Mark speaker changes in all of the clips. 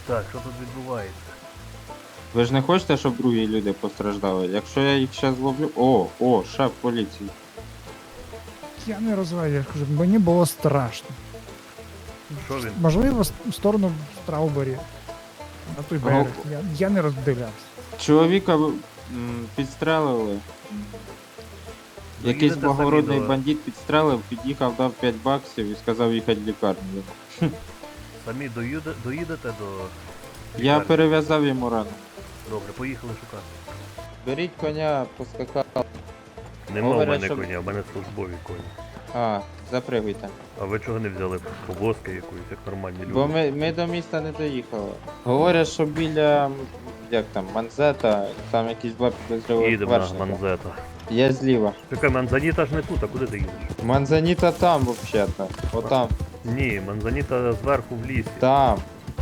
Speaker 1: Так, що тут відбувається?
Speaker 2: Ви ж не хочете, щоб другі люди постраждали? Якщо я їх зараз зловлю... О, шеф поліції.
Speaker 3: Я не розвиваю, я кажу, мені було страшно.
Speaker 1: Що він?
Speaker 3: Можливо, в сторону Страубері. На той берег. Я не роздивлявся.
Speaker 2: Чоловіка підстрелили. Якийсь
Speaker 1: Доїдете
Speaker 2: благородний
Speaker 1: самі до-
Speaker 2: бандит підстрелив, під'їхав, дав 5 баксів і сказав їхати в лікарню.
Speaker 1: Самі доїдете до...
Speaker 2: Я
Speaker 1: лікарні?
Speaker 2: перев'язав йому рану.
Speaker 1: Добре, поїхали шукати.
Speaker 2: Беріть коня, поскакав.
Speaker 1: Нема в
Speaker 2: Говорять,
Speaker 1: мене
Speaker 2: щоб-
Speaker 1: коня, в мене службові коні.
Speaker 2: А, запригуйте.
Speaker 1: А ви чого не взяли повозки якоїсь, як нормальні люди?
Speaker 2: Бо ми до міста не доїхали. Говорять, що біля, як там, Манзета, там якісь два підозрілих
Speaker 1: Їдемо на
Speaker 2: вершника.
Speaker 1: Манзета.
Speaker 2: Я зліва.
Speaker 1: Чекай, Манзаніта ж не тут, а куди ти їдеш?
Speaker 2: Манзаніта там, взагалі-то. Отам.
Speaker 1: Ні, Манзаніта зверху в лісі.
Speaker 2: Там.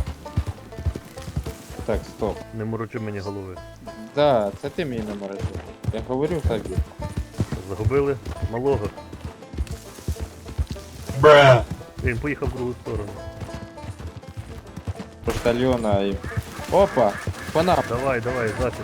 Speaker 2: Так, стоп.
Speaker 1: Не морочи мені голови.
Speaker 2: Да, це ти мені не морочив. Я говорю так.
Speaker 1: Загубили малого. Він поїхав в другу сторону.
Speaker 2: Поштальона і... Опа! По нам.
Speaker 1: Давай, запис.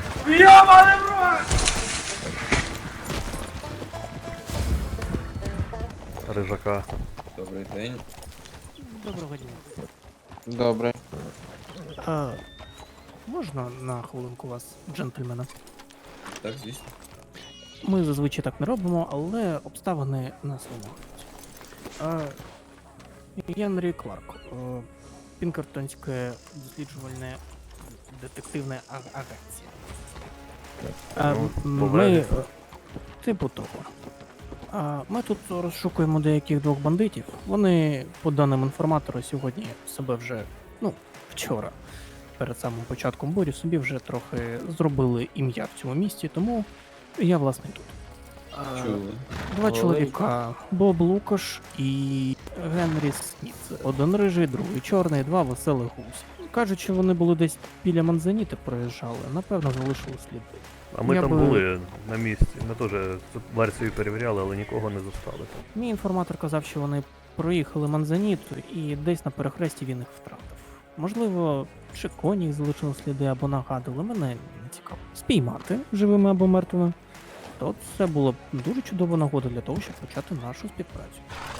Speaker 1: Рижака.
Speaker 4: Добрий день.
Speaker 5: Доброго дня.
Speaker 2: Добре.
Speaker 5: А, можна на хвилинку вас, джентльмена?
Speaker 4: Так, звісно.
Speaker 5: Ми зазвичай так не робимо, але обставини нас вимагають. Я Андрій Кларк, Пінкертонське досліджувальне детективне агенція.
Speaker 1: Ну,
Speaker 5: Ми
Speaker 1: повернемо.
Speaker 5: типу того. Ми тут розшукуємо деяких двох бандитів. Вони, по даним інформатора, сьогодні себе вже, вчора, перед самим початком бурі, собі вже трохи зробили ім'я в цьому місті, тому я, власне, тут.
Speaker 4: Чули.
Speaker 5: Два
Speaker 2: Ой.
Speaker 5: чоловіка: Боб Лукаш і Генрі Сміт. Один рижий, другий чорний, два веселих гусь. Кажуть, що вони були десь біля Манзаніти проїжджали, напевно, залишили сліди.
Speaker 1: А ми
Speaker 5: Я
Speaker 1: там
Speaker 5: би-
Speaker 1: були на місці. Ми теж цю версію перевіряли, але нікого не застали там.
Speaker 5: Мій інформатор казав, що вони проїхали Манзаніту і десь на перехресті він їх втратив. Можливо, чи коні їх залишили сліди або нагадали, мене не цікаво. Спіймати живими або мертвими. То це була б дуже чудова нагода для того, щоб почати нашу співпрацю.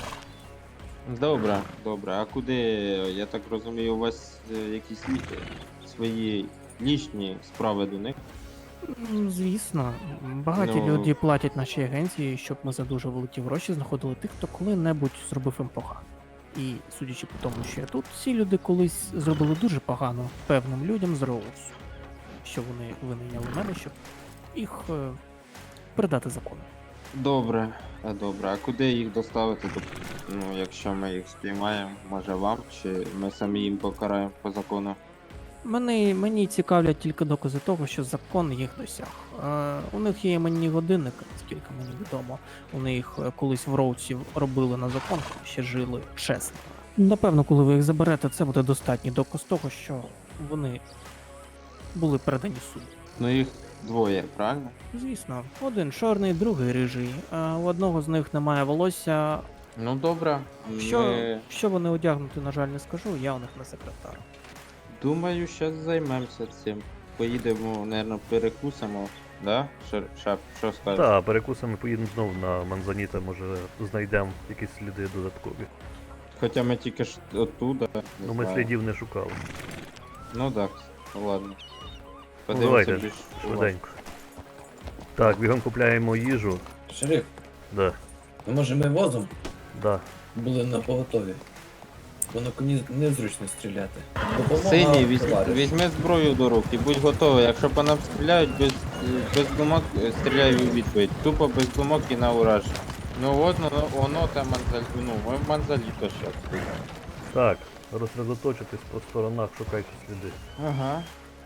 Speaker 2: Добре. А куди, я так розумію, у вас якісь свої лічні справи до них?
Speaker 5: Звісно, багаті
Speaker 2: Ну-
Speaker 5: люди платять нашій агенції, щоб ми за дуже великі гроші знаходили тих, хто коли-небудь зробив їм погано. І судячи по тому, що я тут, всі люди колись зробили дуже погано певним людям з Роуз, що вони винайняли мене, щоб їх передати закону.
Speaker 2: Добре. А куди їх доставити? Ну, якщо ми їх спіймаємо, може вам, чи ми самі їм покараємо по закону?
Speaker 5: Мені цікавлять тільки докази того, що закон їх досяг. У них є іменні годинники, наскільки мені відомо. У них колись в Роуці робили на закон, коли ще жили чесно. Напевно, коли ви їх заберете, це буде достатній доказ того, що вони були передані суду.
Speaker 2: Ну їх двоє, правильно?
Speaker 5: Звісно, один чорний, другий рижий. А у одного з них немає волосся.
Speaker 2: Ну добре.
Speaker 5: Що вони одягнути, на жаль, не скажу, я у них не секретар.
Speaker 2: Думаю, зараз займемося цим. Поїдемо, мабуть, перекусимо, да? Шап, що скажеш?
Speaker 1: Так, перекусами поїдемо знову на Манзаніта, може знайдемо якісь сліди додаткові.
Speaker 2: Хоча ми тільки ж оттуда. не
Speaker 1: Ну ми
Speaker 2: знаю.
Speaker 1: слідів не шукали.
Speaker 2: Ну так, ладно.
Speaker 1: Ну, давайте,
Speaker 2: більш
Speaker 1: швиденько. Так, бігом купляємо їжу.
Speaker 4: Шериф,
Speaker 1: Да,
Speaker 4: ну може ми возом
Speaker 1: да.
Speaker 4: були на поготові? Бо на коні незручно стріляти. Допомога
Speaker 2: Синій,
Speaker 4: товариш.
Speaker 2: візьми зброю до рук і будь готовий. Якщо по нам стріляють, без думок стріляй у відповідь. Тупо без думок і на ураження. Ну от, воно там ми в Манзаліто зараз.
Speaker 1: Так, розсредоточитись по сторонах, шукайте сліди.
Speaker 2: Ага.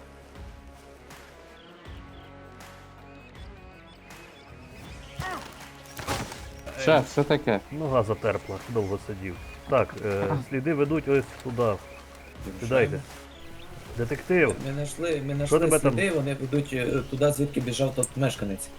Speaker 2: Шеф, все таке.
Speaker 1: Нога затерпла, довго сидів. Так, сліди ведуть ось туди. Сідайте. Детектив!
Speaker 4: Ми знайшли
Speaker 1: Що тебе там?
Speaker 4: сліди, вони ведуть туди, звідки біжав тот мешканець.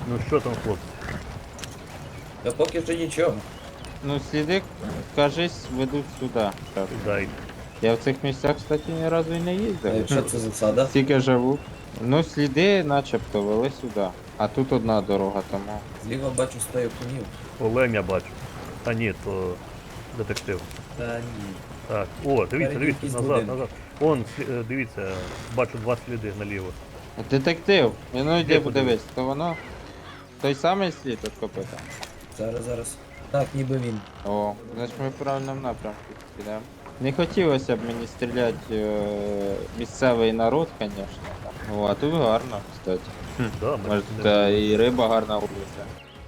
Speaker 1: Ну що там, хлопці?
Speaker 4: Та поки що нічого.
Speaker 2: Ну, сліди, кажись, ведуть сюди. Так.
Speaker 1: Дайте.
Speaker 2: Я в цих місцях, кстати, ні разу і не
Speaker 4: А
Speaker 2: їздив.
Speaker 4: якщо це засада?
Speaker 2: Стільки живу. Ну, сліди начебто вели сюди. А тут одна дорога, тому.
Speaker 4: Зліва бачу стаю конів.
Speaker 1: Олень я бачу. А ні, то детектив.
Speaker 4: Та ні.
Speaker 1: Так. О, дивіться,
Speaker 4: Спереді
Speaker 1: дивіться,
Speaker 4: якісь
Speaker 1: назад,
Speaker 4: будинки.
Speaker 1: назад. Вон, дивіться, бачу два сліди наліво.
Speaker 2: Детектив, ну йди
Speaker 1: Де
Speaker 2: подивись, то воно. Той самий слід від копита.
Speaker 4: Зараз. Так, ніби він.
Speaker 2: О, значить ми в правильному напрямку підемо. Не хотілося б мені стріляти місцевий народ, звісно. О, а тут гарно, кстати.
Speaker 1: Да, ми
Speaker 2: Може,
Speaker 1: не-
Speaker 2: та і риба гарна вулиця.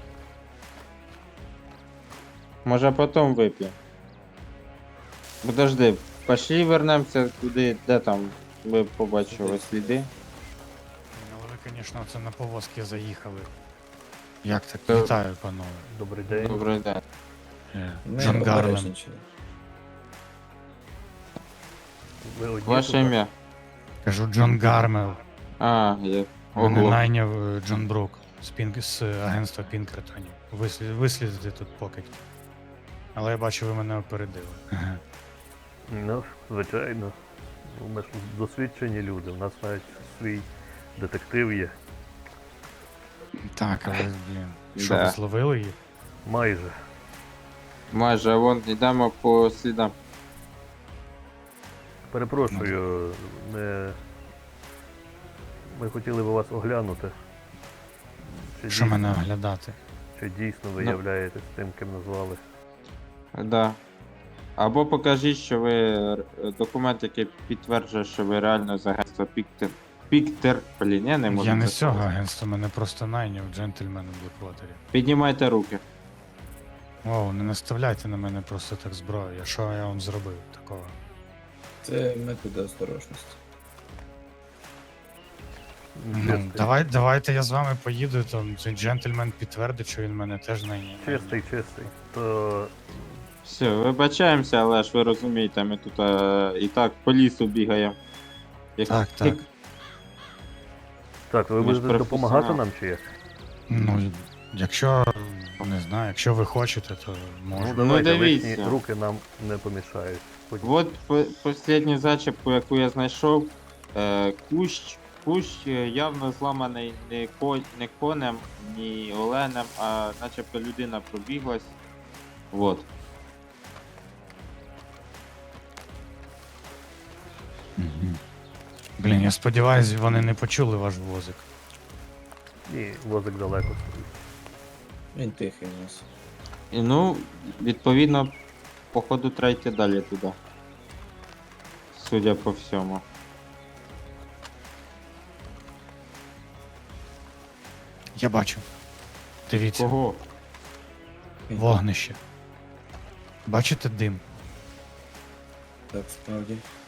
Speaker 2: Може потім вип'ємо. Подожди, пошли вернемося туди, де там ви побачили сліди.
Speaker 3: Ну, ви, звісно, це на повозки заїхали. Як так?
Speaker 2: Та-
Speaker 3: Вітаю, панове.
Speaker 1: Добрий день.
Speaker 2: Добрий день.
Speaker 4: Ми
Speaker 3: Джон Гарлем.
Speaker 4: попередженчили.
Speaker 1: Ви одні
Speaker 2: Ваше
Speaker 1: тут?
Speaker 2: ім'я?
Speaker 3: Кажу, Джон Гармел.
Speaker 2: А, є.
Speaker 3: Мене
Speaker 2: Ого.
Speaker 3: найняв Джон Брук з агентства Пінкертонів. Вислідити тут покидьки. Але я бачу, ви мене опередили.
Speaker 1: Ну, звичайно. Ми ж досвідчені люди. У нас навіть свій детектив є.
Speaker 3: Так, але, блін. Що,
Speaker 2: Да.
Speaker 3: ви зловили їх?
Speaker 1: Майже.
Speaker 2: Майже, вон йдемо по слідам.
Speaker 1: Перепрошую, ми хотіли би вас оглянути. Чи
Speaker 3: Що
Speaker 1: дійсно-
Speaker 3: мене оглядати?
Speaker 1: Чи дійсно ви
Speaker 2: Ну.
Speaker 1: являєтесь тим, ким назвали?
Speaker 2: Да. Або покажіть, що ви документ, який підтверджує, що ви реально з агентства Піктер. Блін, я не можу.
Speaker 3: Я не
Speaker 2: це
Speaker 3: з цього
Speaker 2: сказати.
Speaker 3: агентства, мене просто найняв джентльмен у Блеквотері.
Speaker 2: Піднімайте руки.
Speaker 3: Оу, не наставляйте на мене просто так зброю. Я що я вам зробив такого?
Speaker 4: Це методи осторожності.
Speaker 3: Ну, давайте я з вами поїду, там цей джентльмен підтвердить, що він мене теж найняв.
Speaker 1: Чистий. То
Speaker 2: Все, вибачаємося, але ж ви розумієте, ми тут і так по лісу бігаємо. Як-
Speaker 3: Так.
Speaker 1: так, ви
Speaker 2: Ми ж
Speaker 1: будете допомагати
Speaker 2: професіонал.
Speaker 1: нам чи як?
Speaker 3: Ну, якщо не знаю, якщо ви хочете, то можу.
Speaker 1: Ну давайте,
Speaker 2: дивіться.
Speaker 1: лишні руки нам не помішають. Хоч-
Speaker 2: От останню зачіпку, яку я знайшов, кущ явно зламаний не конем, ні оленем, а начебто людина пробіглась. Вот.
Speaker 3: Мгм. Блін, я сподіваюся, вони не почули ваш возик.
Speaker 1: Ні, возик далеко стоїть.
Speaker 4: Він тихий у нас.
Speaker 2: І ну, відповідно, походу треба йти далі туди. Судя по всьому.
Speaker 3: Я бачу. Дивіться,
Speaker 2: Кого?
Speaker 3: вогнище. Бачите дим?
Speaker 4: Так, справді.